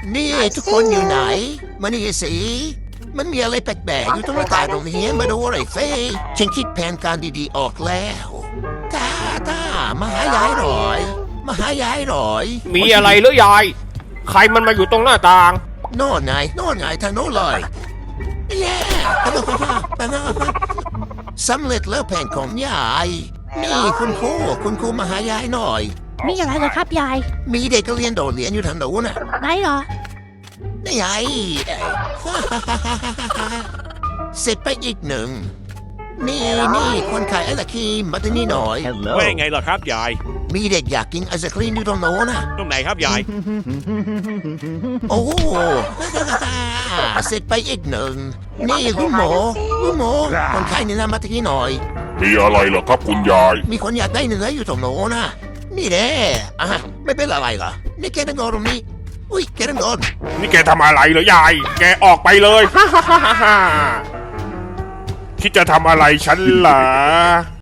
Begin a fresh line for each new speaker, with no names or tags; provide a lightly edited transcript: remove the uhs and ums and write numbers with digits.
นี่ทุกคนอยู่ไหนมานี่สิมันมีอะไรแปลกๆอยู่ตรงหน้าต่างตรงนี้มาดูอะไรเฟ้ฉันคิดแผนการดีๆออกแล้วตามาหายายหน่อยมาหายายหน่อย
มีอะไรหรือยาย ใครมันมาอยู่ตรงหน้าต่าง
โน่นไงทางโน้นเลยเย้สำเร็จแล้วแผนของยายนี่คุณครูมาหายายหน่อย
มีอะไรเหรอครับยาย
มีเด็กเรียนโดดเรียนอยู่ทางโน้นน่ะ
ไหนเหรอ
นี่ไงเสร็จไปอีกหนึ่งนี่คนขายไอศครีมมาที่นี่หน่อย
ว่ายังไงล่ะครับยาย
มีเด็กอยากกินไอศครีมอยู่ตรงโน้นน่ะ
ตรงไหนครับยาย
โอ้เสร็จไปอีกหนึ่งนี่คุณหมอคนขายเนื้อมาที่นี่หน่อย
มีอะไรเหรอครับคุณยาย
มีคนอยากได้เนื้ออยู่ตรงโน้นน่ะนี่แน่ไม่เป็นอะไรเหรอนี่แกนั่งรอตรงนี้อุ้ยแกนั่งรอ
นี่แกทำอะไรเหรอยาย แกออกไปเลย คิดจะทำอะไรฉันเหรอ